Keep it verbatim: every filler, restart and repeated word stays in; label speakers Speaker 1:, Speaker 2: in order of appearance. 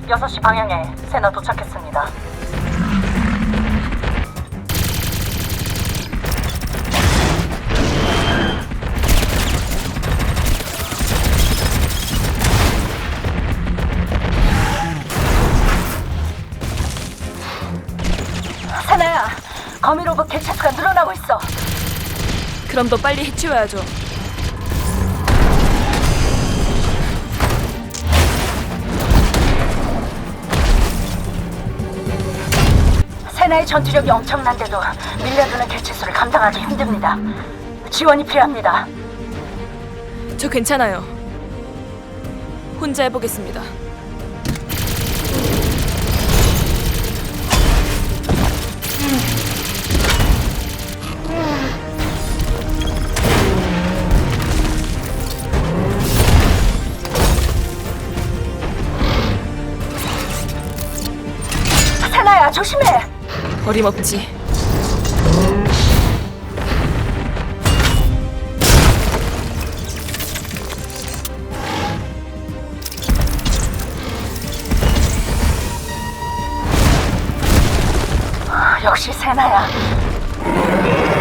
Speaker 1: 여섯 시 방향에 세나 도착했습니다. 세나야, 거미 로봇 개체 수가 늘어나고 있어.
Speaker 2: 그럼 더 빨리 해치워야죠.
Speaker 1: 세나의 전투력이 엄청난데도 밀려드는 개체 수를 감당하기 힘듭니다. 지원이 필요합니다.
Speaker 2: 저 괜찮아요. 혼자 해보겠습니다.
Speaker 1: 세나야, 조심해!
Speaker 2: 어림없지.
Speaker 1: 역시 세나야.